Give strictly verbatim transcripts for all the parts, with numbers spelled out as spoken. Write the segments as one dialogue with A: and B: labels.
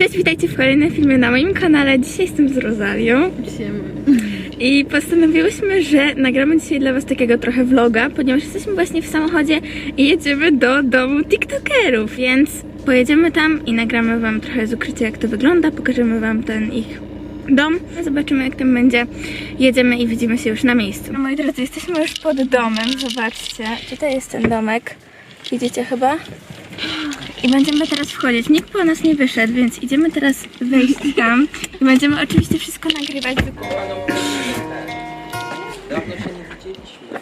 A: Cześć, witajcie w kolejnym filmie na moim kanale. Dzisiaj jestem z Rozalią. I postanowiłyśmy, że nagramy dzisiaj dla was takiego trochę vloga, ponieważ jesteśmy właśnie w samochodzie i jedziemy do domu tiktokerów, więc pojedziemy tam i nagramy wam trochę z ukrycia, jak to wygląda, pokażemy wam ten ich dom, zobaczymy, jak tam będzie. Jedziemy i widzimy się już na miejscu. Moi drodzy, jesteśmy już pod domem, zobaczcie, tutaj jest ten domek, widzicie chyba? I będziemy teraz wchodzić. Nikt po nas nie wyszedł, więc idziemy teraz wejść tam i będziemy oczywiście wszystko nagrywać.
B: Dawno się nie widzieliśmy.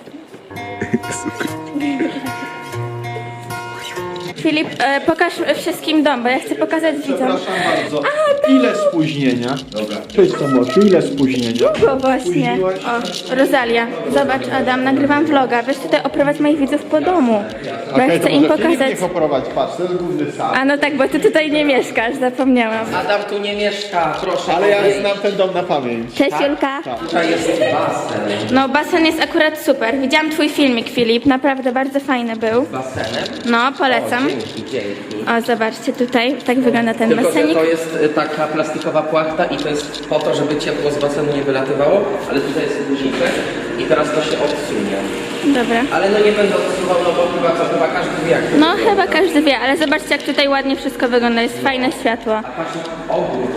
A: Filip, e, pokaż wszystkim dom, bo ja chcę pokazać widzom.
C: Przepraszam bardzo. Ile spóźnienia? Dobra. Cześć Tomosiu, ile spóźnienia?
A: Długo właśnie. O, Rosalia, zobacz Adam, nagrywam vloga. Weź tutaj oprowadź moich widzów po domu. Bo ja
C: Okej,
A: chcę
C: to
A: im
C: może Filip
A: pokazać.
C: niech oprowadź, patrz, to jest główny sam.
A: A no tak, bo ty tutaj nie mieszkasz, zapomniałam.
B: Adam tu nie mieszka, proszę.
C: Ale ja
B: odejść.
C: znam ten dom na pamięć.
A: Cześć Julka.
B: Tutaj jest basen.
A: No basen jest akurat super. Widziałam twój filmik, Filip, naprawdę bardzo fajny był.
B: Basenem?
A: No, polecam.
B: O, dzięki, dzięki.
A: O, zobaczcie tutaj, tak wygląda ten
B: Tylko, że
A: basenik.
B: to jest y, taka plastikowa płachta i to jest po to, żeby ciepło z basenu nie wylatywało, ale tutaj jest guziczek i teraz to się odsunie.
A: Dobra.
B: Ale no nie będę odsuwał, no bo chyba to chyba każdy wie jak to
A: No
B: wygląda.
A: chyba każdy wie, ale zobaczcie, jak tutaj ładnie wszystko wygląda, jest fajne światło.
B: A patrz na ogród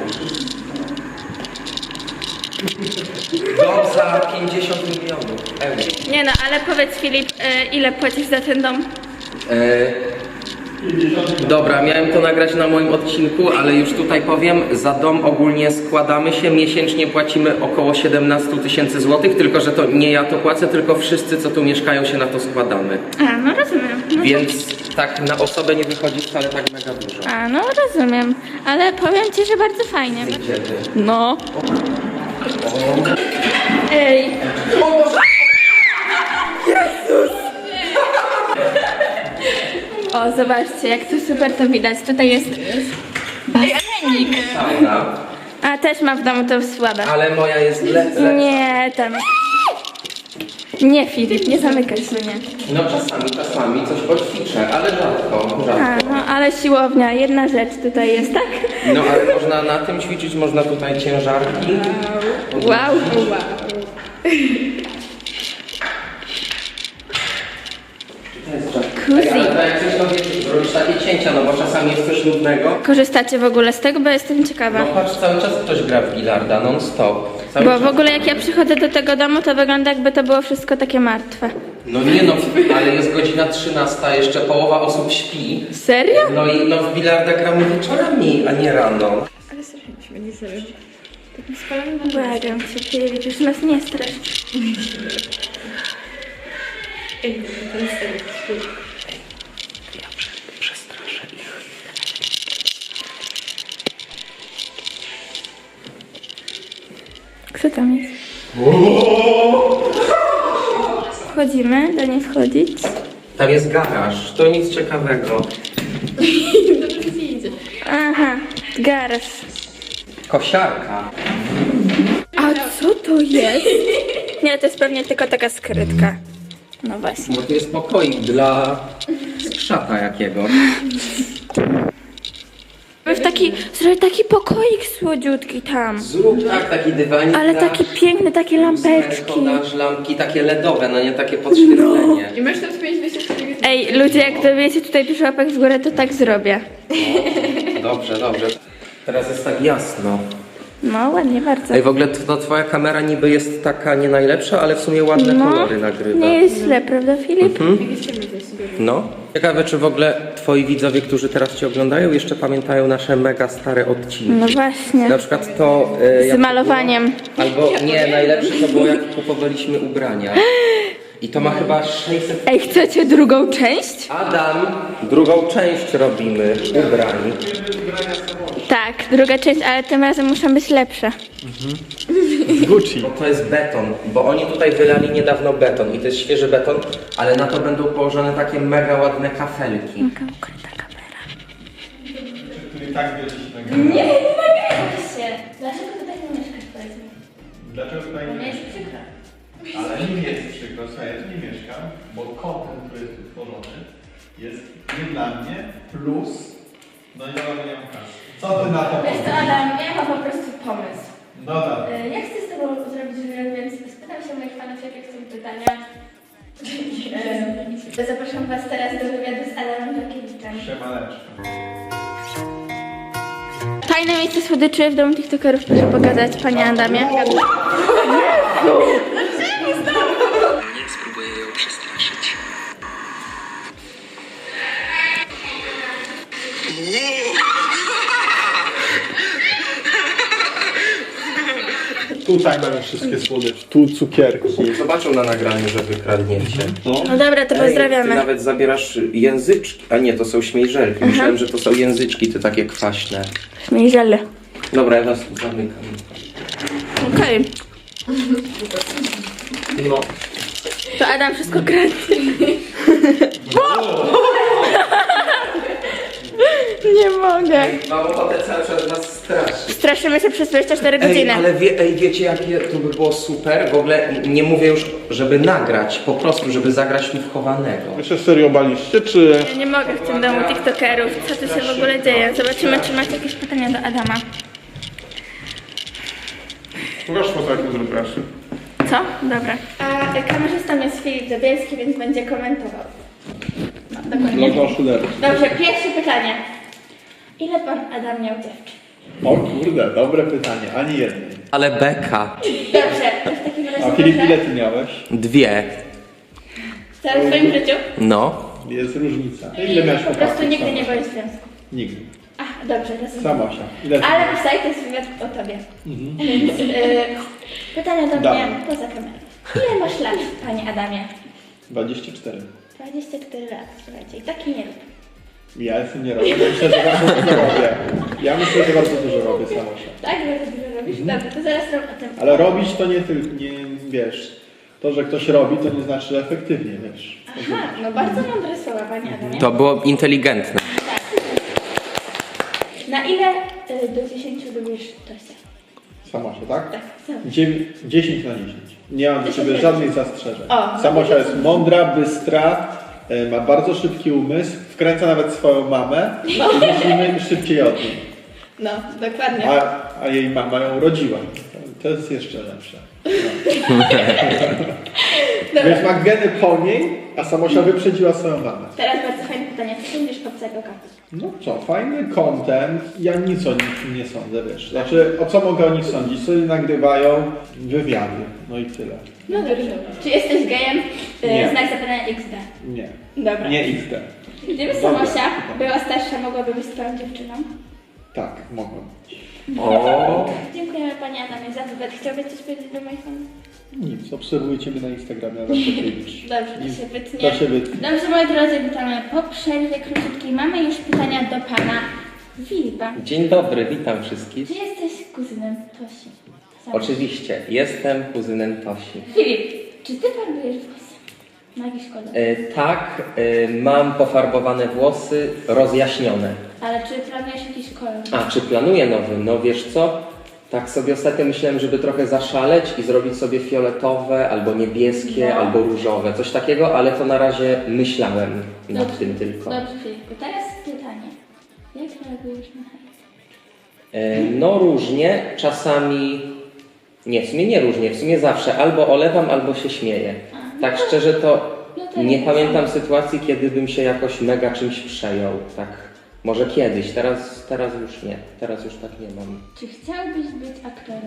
B: tutaj. Dom za pięćdziesiąt milionów euro.
A: Nie no, ale powiedz Filip, e, ile płacisz za ten dom?
B: E, Dobra, miałem to nagrać na moim odcinku, ale już tutaj powiem, za dom ogólnie składamy się, miesięcznie płacimy około siedemnaście tysięcy złotych, tylko że to nie ja to płacę, tylko wszyscy, co tu mieszkają, się na to składamy.
A: A, no rozumiem. No
B: Więc tak na osobę nie wychodzi wcale tak mega dużo.
A: A, no rozumiem, ale powiem ci, że bardzo fajnie.
B: Gdzie ty?
A: No. Ej. O, zobaczcie, jak tu super to widać. Tutaj jest basenik.
B: Sauna,
A: A, też mam w domu to słabe.
B: ale moja jest lepsza.
A: Nie, tam. Nie, Filip, nie zamykaj mnie.
B: No czasami, czasami coś poćwiczę, ale rzadko,
A: A,
B: rzadko.
A: no, ale siłownia, jedna rzecz tutaj jest, tak?
B: No ale można na tym ćwiczyć, można tutaj ciężarki.
A: Wow, wow.
B: Ej, ale to jak coś to wiesz, robisz takie cięcia, no bo czasami jest coś nudnego.
A: Korzystacie w ogóle z tego, bo jestem ciekawa.
B: No patrz, cały czas ktoś gra w bilarda, non stop. Cały
A: Bo
B: czas.
A: w ogóle jak ja przychodzę do tego domu, to wygląda jakby to było wszystko takie martwe.
B: No nie no, ale jest godzina trzynasta, jeszcze połowa osób śpi.
A: Serio?
B: No i no w bilarda gramy wieczorami, a nie rano.
A: Błagam cię, Filip, już nas nie strasz.
B: Przestraszę ich.
A: Kto tam jest? Wchodzimy, do niej wchodzić.
B: Tam jest garaż, to nic ciekawego.
A: Aha, garaż.
B: Kosiarka.
A: A co to jest? Nie, to jest pewnie tylko taka skrytka. No właśnie.
B: Bo tu jest pokoik dla skrzata jakiegoś.
A: W taki, zrobię taki pokoik słodziutki tam.
B: Zrób tak, taki dywanik.
A: Ale
B: dla-
A: taki piękny, takie lampeczki.
B: Dasz lampki takie ledowe, no nie takie podświetlenie.
D: I masz tam spięć wyjście.
A: Ej, ludzie, jak dowiecie tutaj dużo łapek w górę, to tak zrobię.
B: Dobrze, dobrze. Teraz jest tak jasno.
A: No, ładnie bardzo.
B: Ej, w ogóle to twoja kamera niby jest taka nie najlepsza, ale w sumie ładne
A: No,
B: kolory nagrywa.
A: nie jest źle, prawda Filip?
B: No. Ciekawe, czy w ogóle twoi widzowie, którzy teraz cię oglądają, jeszcze pamiętają nasze mega stare odcinki.
A: No właśnie.
B: Na przykład to... e, jak
A: Z malowaniem.
B: to było- Albo nie, najlepsze to było, jak kupowaliśmy ubrania. I to ma chyba sześćset...
A: Ej, chcecie drugą część?
B: Adam, drugą część robimy ubrań.
A: Tak, druga część, ale tym razem muszą być lepsze.
C: Gucci.
B: Bo to jest beton, bo oni tutaj wylali niedawno beton i to jest świeży beton, ale na to będą położone takie mega ładne kafelki.
A: Taka ukryta kamera.
C: Który tak wiele się nagrywa.
A: Nie, nie nagrywaj się. Dlaczego tutaj nie mieszkasz, powiedz mi?
C: Dlaczego tutaj nie
A: jest
C: mieszkasz?
A: przykro.
C: Ale nie jest przykro, słuchaj, ja tu nie mieszkam, bo content, który jest tu tworzony, jest nie dla mnie, plus, no i dobra, nie mam kasy. Co ty na to
A: Wiesz co,
C: powiesz?
A: Adam, ja mam po prostu pomysł.
C: No dobra.
A: E, Ja chcę z tobą zrobić wywiad, więc spytam się moich fanów, jakie chcą pytania. E, Zapraszam was teraz do wywiadu z Adamem Żakiewiczem.
C: Siemaneczko.
A: Fajne miejsce słodyczy w domu tiktokerów, proszę pokazać, panie Adamie.
D: Nie spróbuję ją przestraszyć.
C: Tutaj mamy wszystkie słodycze. Tu cukierki.
B: Zobaczą na nagraniu, że wykradniecie.
C: No.
A: No dobra, to
B: Ej, ty
A: pozdrawiamy.
B: nawet zabierasz języczki. A nie, to są śmiejżelki. Myślałem, że to są języczki, te takie kwaśne.
A: Śmiejżele.
B: Dobra, ja was tu zamykam.
A: Okej,
B: No.
A: to Adam wszystko kradnie. Nie mogę.
B: Mam ochotę cały czas was straszyć.
A: Straszymy się przez dwadzieścia cztery
B: Ej,
A: godziny.
B: ale wie, ej, wiecie jakie to by było super? W ogóle nie mówię już, żeby nagrać, po prostu, żeby zagrać mi w chowanego.
C: Wy się serio baliście, czy...
A: Ja nie mogę w tym domu tiktokerów. Co tu się w ogóle dzieje? Zobaczymy, czy macie jakieś pytania do Adama.
C: Pokaż foto, jak to zrobiłaś.
A: Co? Dobra. A kamerzystą jest Filip Zabielski, więc będzie komentował. No, dokładnie.
C: Logo Schuler.
A: Dobrze, pierwsze pytanie. Ile pan Adam miał dziewczyn?
C: O kurde, dobre pytanie. Ani jednej.
B: Ale beka.
A: Dobrze, to w takim razie
C: A Filip,
A: proszę.
C: ile ty miałeś?
B: Dwie.
A: Całe w swoim życiu?
B: No.
C: Jest różnica. Ile miałeś
A: Po prostu
C: chłopaków?
A: nigdy nie
C: Samosia?
A: byłeś w związku.
C: Nigdy.
A: Ach, dobrze, rozumiem.
C: Samosia. Ile ty
A: Ale
C: miałeś?
A: pisaj, to jest wywiad o tobie. Więc y, pytania do mnie
C: Dobra.
A: poza kamerą. Ile masz lat, panie Adamie?
C: dwadzieścia cztery.
A: dwadzieścia cztery lat, słuchajcie, i taki nie rób.
C: Ja jestem nie robię. Ja myślę, że bardzo dużo robię. Ja myślę, że bardzo dużo robię Samosia.
A: Tak, bardzo dużo robisz? Dobrze, to zaraz rob o tym.
C: Ale robić to nie tylko, nie wiesz. To, że ktoś robi, to nie znaczy, że efektywnie, wiesz.
A: Aha, no bardzo mądre słowa, panie Adamie.
B: To było inteligentne.
A: Na ile y, do dziesięciu lubisz Tosia?
C: Samosia, tak?
A: Tak, sam.
C: Dziewię- dziesięć na dziesięć. Nie mam do
A: dziesięć
C: ciebie
A: na
C: żadnych zastrzeżeń.
A: O, no
C: Samosia
A: to
C: jest mądra, bystra, e, ma bardzo szybki umysł, wkręca nawet swoją mamę i myślimy szybciej od niej.
A: No, dokładnie.
C: A, a jej mama ją rodziła. To jest jeszcze lepsze. No. Więc ma geny po niej, a Samosia wyprzedziła swoją mamę.
A: Teraz bardzo fajne pytanie. Co sądzisz o Obcego Kata?
C: No co, fajny content. Ja nic o nich nie sądzę, wiesz. Znaczy, o co mogę o nich sądzić? Co oni nagrywają? Wywiady. No i tyle.
A: No dobrze. Czy jesteś gejem? Y,
C: Nie.
A: Znak zapytania X D.
C: Nie.
A: Dobra.
C: Nie X D.
A: Gdyby
C: Dobra.
A: Samosia była starsza, mogłaby być twoją dziewczyną?
C: Tak, mogłem.
B: O.
A: Dziękujemy panie Adamie za wywiad. Chciałbyś coś powiedzieć do moich fanów?
C: Nic, obserwujcie mnie na Instagramie, Adam Kokiewicz.
A: Dobrze, to
C: Nic.
A: się wytnie.
C: To się wytnie.
A: Dobrze, moi drodzy, witamy po przerwie króciutkiej. Mamy już pytania do pana Filipa.
B: Dzień dobry, witam wszystkich.
A: Czy jesteś kuzynem Tosi? Sam.
B: Oczywiście, jestem kuzynem Tosi.
A: Filip, czy ty farbujesz włosy? Na jakiś kolor?
B: E, tak, e, mam pofarbowane włosy, rozjaśnione.
A: Ale czy planujesz jakiś kolor?
B: A, czy planuję nowy? No wiesz co? Tak sobie ostatnio myślałem, żeby trochę zaszaleć i zrobić sobie fioletowe, albo niebieskie,
A: No.
B: albo różowe. Coś takiego, ale to na razie myślałem nad
A: Dobrze.
B: tym tylko.
A: Dobrze, Filipku. Teraz pytanie. Jak reagujesz na hejt?
B: E, no różnie, czasami... Nie, w sumie nie różnie, w sumie zawsze. Albo olewam, albo się śmieję.
A: A, no
B: Tak
A: to-
B: szczerze to
A: no to
B: nie
A: ja
B: pamiętam
A: tak
B: sytuacji, kiedy bym się jakoś mega czymś przejął. Tak, może kiedyś, teraz, teraz już nie. Teraz już tak nie mam.
A: Czy chciałbyś być aktorem?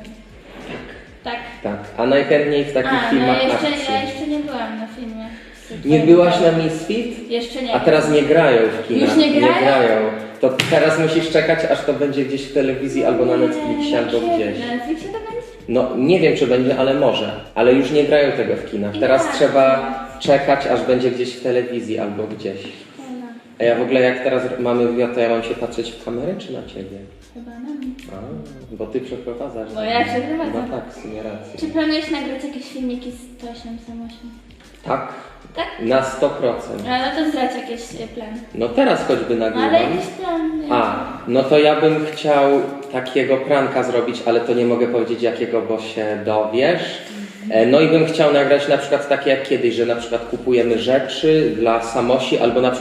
A: Tak.
B: Tak, a najchętniej w takich
A: A, no
B: filmach
A: jeszcze,
B: akcji.
A: ja jeszcze nie byłam na filmie. z
B: Nie
A: twoim
B: byłaś na
A: udziałem.
B: Misfit?
A: Jeszcze nie.
B: A teraz nie grają w kinach.
A: Już nie grają?
B: To teraz musisz czekać, aż to będzie gdzieś w telewizji, albo na
A: Nie,
B: Netflixie, albo
A: kiedy?
B: gdzieś.
A: Na Netflixie to będzie?
B: No nie wiem, czy będzie, ale może. Ale już nie grają tego w kinach. Teraz
A: Jak?
B: trzeba czekać, aż będzie gdzieś w telewizji, albo gdzieś.
A: Ona.
B: A ja w ogóle jak teraz mamy wywiad, to ja mam się patrzeć w kamerę, czy na ciebie?
A: Chyba na mnie.
B: A, bo ty przeprowadzasz.
A: No ja przeprowadzam.
B: No tak, w sumie rację.
A: Czy planujesz nagrać jakieś filmiki z Tosią Samosią?
B: Tak,
A: Tak?
B: na sto procent.
A: A no to zdradź jakieś e, plany.
B: No teraz choćby
A: No ale
B: nagrywam.
A: jakiś plan.
B: A, no to ja bym chciał takiego pranka zrobić, ale to nie mogę powiedzieć jakiego, bo się dowiesz. E, No i bym chciał nagrać na przykład takie jak kiedyś, że na przykład kupujemy rzeczy dla Samosi, albo na przykład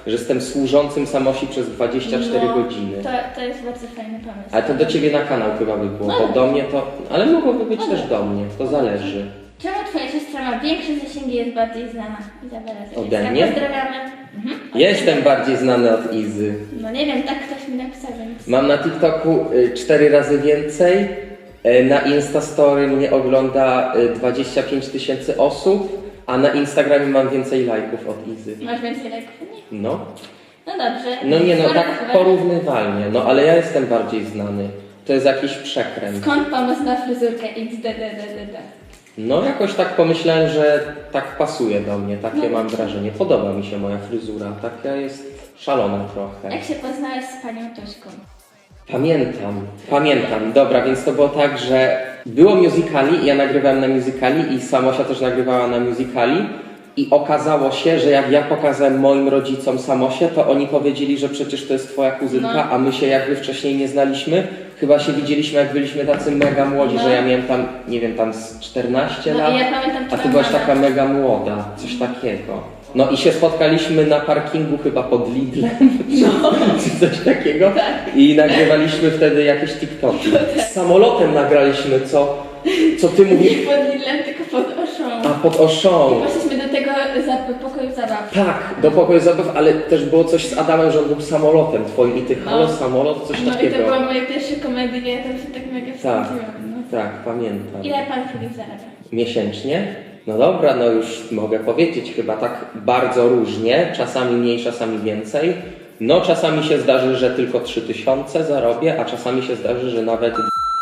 B: że jestem służącym Samosi przez dwadzieścia cztery
A: No,
B: godziny.
A: To, to jest bardzo fajny pomysł.
B: Ale to do ciebie na kanał chyba by było, bo do mnie to... Ale mogłoby być też do mnie, to zależy.
A: Czemu twoja siostra ma większe zasięgi i jest bardziej znana? Izabela Zawiecka.
B: Ode mnie?
A: Pozdrawiamy. Mhm.
B: Ja jestem bardziej znany od Izy.
A: No nie wiem, tak ktoś mi napisał, więc...
B: Mam na TikToku y, cztery razy więcej, y, na Instastory mnie ogląda y, dwadzieścia pięć tysięcy osób, a na Instagramie mam więcej lajków od Izy.
A: Masz więcej lajków? Nie.
B: No.
A: No dobrze.
B: No nie no,
A: Skoro
B: tak
A: chyba-
B: porównywalnie, no ale ja jestem bardziej znany. To jest jakiś przekręt.
A: Skąd pomysł na fryzurkę X D D D D D?
B: No jakoś tak pomyślałem, że tak pasuje do mnie, takie mam wrażenie. Podoba mi się moja fryzura, taka jest szalona trochę.
A: Jak się poznałeś z panią Tośką?
B: Pamiętam, pamiętam. Dobra, więc to było tak, że było musicali i ja nagrywałem na musicali i Samosia też nagrywała na musicali i okazało się, że jak ja pokazałem moim rodzicom Samosię, to oni powiedzieli, że przecież to jest twoja kuzynka,
A: No.
B: a my się jakby wcześniej nie znaliśmy. Chyba się widzieliśmy, jak byliśmy tacy mega młodzi,
A: No.
B: że ja miałem tam, nie wiem, tam z czternaście
A: No
B: lat,
A: i ja pamiętam
B: a
A: twoją
B: ty byłaś
A: mamę.
B: taka mega młoda, coś takiego. No i się spotkaliśmy na parkingu chyba pod Lidlem,
A: No.
B: czy coś takiego
A: Tak.
B: i nagrywaliśmy wtedy jakieś TikToki. Z samolotem nagraliśmy, co, co ty
A: Nie
B: mówisz?
A: pod Lidlem, tylko pod Oszą.
B: A pod Oszą.
A: Poszliśmy do tego za- pokoju zabaw.
B: Tak, do pokoju zabaw, ale też było coś z Adamem, że on był samolotem twoim i ty
A: No.
B: halo samolot, coś
A: No i
B: takiego.
A: to była moja pierwsza komedia, ja tam się tak mega
B: Tak,
A: wstydziłam. No.
B: tak, pamiętam.
A: Ile pan Filip zarabia?
B: Miesięcznie? No dobra, no już mogę powiedzieć, chyba tak bardzo różnie, czasami mniej, czasami więcej. No czasami się zdarzy, że tylko trzy tysiące zarobię, a czasami się zdarzy, że nawet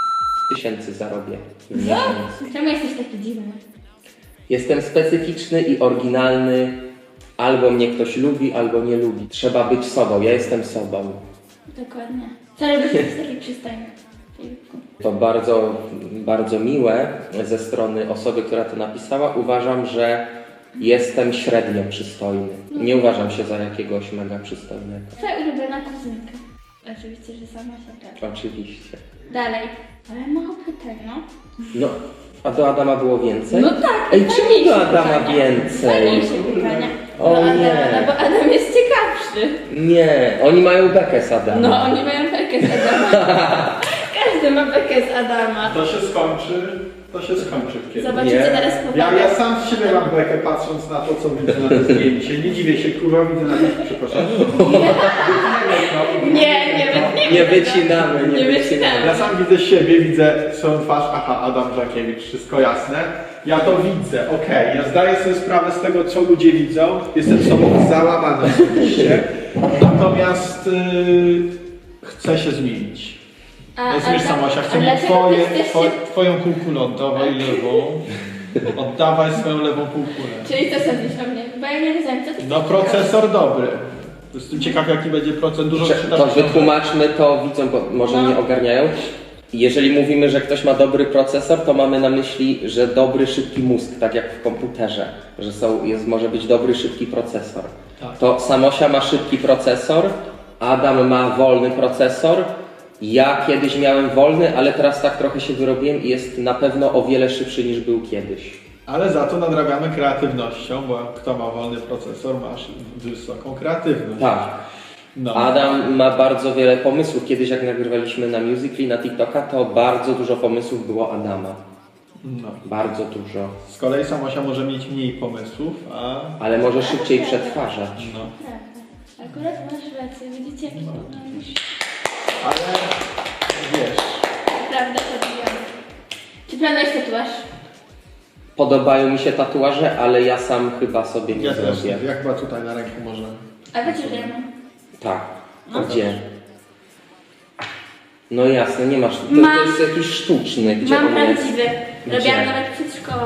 B: tysięcy zarobię w miesiąc.
A: Czemu jesteś taki dziwny?
B: Jestem specyficzny i oryginalny. Albo mnie ktoś lubi, albo nie lubi. Trzeba być sobą, ja jestem sobą.
A: Dokładnie. Co robisz, jest taki przystojny? Filipku?
B: To bardzo, bardzo miłe ze strony osoby, która to napisała. Uważam, że jestem średnio przystojny. Nie uważam się za jakiegoś mega przystojnego.
A: Twoja ulubiona kuzynka? Oczywiście, że sama się prawda.
B: Oczywiście.
A: Dalej. Ale mało pytań, no.
B: No, a do Adama było więcej?
A: No tak.
B: Ej, czemu
A: fajniejsze
B: do Adama
A: pytania.
B: więcej?
A: Fajniejsze pytania.
B: O
A: do Adama,
B: nie.
A: no bo Adam jest ciekawszy.
B: Nie, oni mają bekę z Adama.
A: No, oni mają bekę z Adama. Każdy ma bekę z Adama.
C: To się skończy, to się skończy kiedyś.
A: Zobaczycie
B: Nie.
A: teraz
C: Ja,
A: powagę.
C: ja sam z siebie mam bekę patrząc na to, co widzę na tym zdjęciu. Nie dziwię się, kurwa, widzę na tym, przepraszam.
A: Nie, nie, wytniemy
B: Nie
A: tego.
B: wycinamy, nie
A: Nie
B: wycinamy.
A: wycinamy.
C: Ja sam widzę siebie, widzę swoją twarz, aha, Adam Żakiewicz, wszystko jasne. Ja to widzę, okej, ja zdaję sobie sprawę z tego, co ludzie widzą. Jestem sobą załamany oczywiście. Natomiast yy, chcę się zmienić.
A: A-
C: Rozumiesz,
A: a-
C: Samosia,
A: a
C: chcę mieć
A: dlaczego
C: twoje,
A: ty chcesz
C: two,
A: się-
C: twoją półkulę, oddawaj lewą. Oddawaj swoją lewą półkulę.
A: Czyli co sądzisz o mnie? Bo ja nie rozumiem, co ty
C: No procesor dobry. Jestem ciekaw, jaki będzie procent. Dużo
B: Że-
C: czytasz
B: To
C: książek.
B: wytłumaczmy to widzom, bo może
A: No.
B: nie ogarniają. Jeżeli mówimy, że ktoś ma dobry procesor, to mamy na myśli, że dobry, szybki mózg, tak jak w komputerze, że są, jest, może być dobry, szybki procesor.
C: Tak.
B: To Samosia ma szybki procesor, Adam ma wolny procesor, ja kiedyś miałem wolny, ale teraz tak trochę się wyrobiłem i jest na pewno o wiele szybszy niż był kiedyś.
C: Ale za to nadrabiamy kreatywnością, bo kto ma wolny procesor, masz wysoką kreatywność.
B: Tak.
C: No.
B: Adam ma bardzo wiele pomysłów. Kiedyś jak nagrywaliśmy na Musical.ly, na TikToka, to bardzo dużo pomysłów było Adama.
C: No.
B: Bardzo dużo.
C: Z kolei Samosia może mieć mniej pomysłów, a...
B: Ale może szybciej przetwarzać.
C: No.
A: Prawda. Akurat masz rację, widzicie jaki
C: No.
A: no.
C: Ale wiesz,
A: Prawda, podbijam. Czy planujesz tatuaż?
B: Podobają mi się tatuaże, ale ja sam chyba sobie nie
C: ja też,
B: zrobię.
C: jak chyba tutaj na ręku może.
A: A wiecie, że ja mam.
B: Tak.
A: No.
B: Gdzie? No jasne, nie masz. To,
A: Mam-
B: to jest jakiś sztuczny. Gdzie
A: Mam
B: on jest?
A: prawdziwy.
B: Gdzie?
A: Robiłam nawet przed szkołą.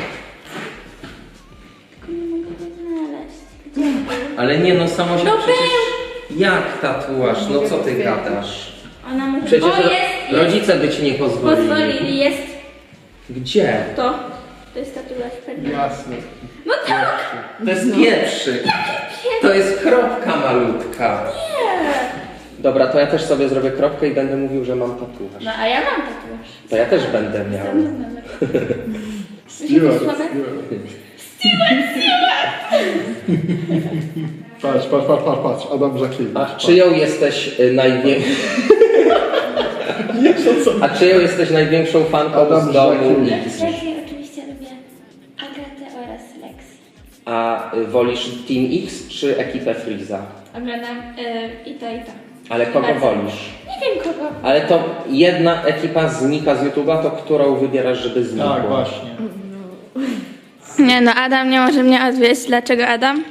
A: Tylko nie mogę go znaleźć. Gdzie on był?
B: Ale nie no, samo się
A: No
B: przecież... Jak tatuaż? No co ty gadasz?
A: Ona może...
B: Przecież
A: O,
B: ro-
A: jest! jest.
B: rodzice by ci nie pozwolili.
A: Pozwolili, jest
B: Gdzie?
A: to. To jest tatuaż pewnie.
C: Jasne.
A: No tak!
B: To jest pierwszy. To jest kropka malutka.
A: Nie!
B: Dobra, to ja też sobie zrobię kropkę i będę mówił, że mam tatuaż.
A: No a ja mam tatuaż.
B: To ja też będę miał.
A: Sam numer.
C: Stewart,
A: słabe?
C: Stewart. Patrz, patrz, patrz, patrz, patrz, Adam Żakiewicz.
B: A czyją jesteś y, największą...
C: Nie, to co?
B: A czyją jesteś największą fanką
C: Adam
B: z domu
C: Żakiewicz.
B: X?
A: Lexi oczywiście lubię Agatę oraz Lexi.
B: A y, wolisz Team X czy ekipę Freeza?
A: Oglądam yy, i to i to.
B: Ale kogo
A: Bardzo.
B: wolisz?
A: Nie wiem kogo.
B: Ale to jedna ekipa znika z YouTube'a, to którą wybierasz, żeby znikła?
C: Tak, właśnie.
A: Nie no, Adam nie może mnie odwieźć. Dlaczego Adam?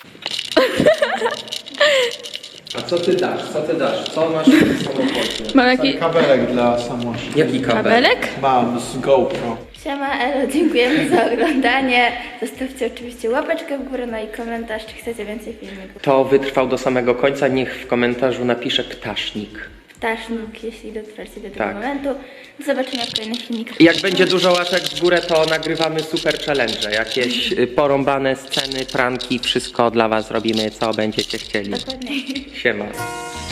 B: A co ty dasz? Co ty dasz? Co masz w samochodzie?
A: Mam jaki
C: Kabelek dla Samosi.
B: Jaki kabel?
A: kabelek?
C: Mam z GoPro.
A: Siema Elo, dziękujemy za oglądanie. Zostawcie oczywiście łapeczkę w górę, no i komentarz, czy chcecie więcej filmików.
B: Kto wytrwał do samego końca, niech w komentarzu napisze ptasznik.
A: Ptasznik, jeśli dotrwacie do tego
B: Tak.
A: momentu. Do zobaczenia w kolejnych filmikach.
B: Jak będzie dużo łapek w górę, to nagrywamy super challenge. Jakieś y, porąbane sceny, pranki, wszystko dla was robimy, co będziecie chcieli.
A: Dokładnie.
B: Siema.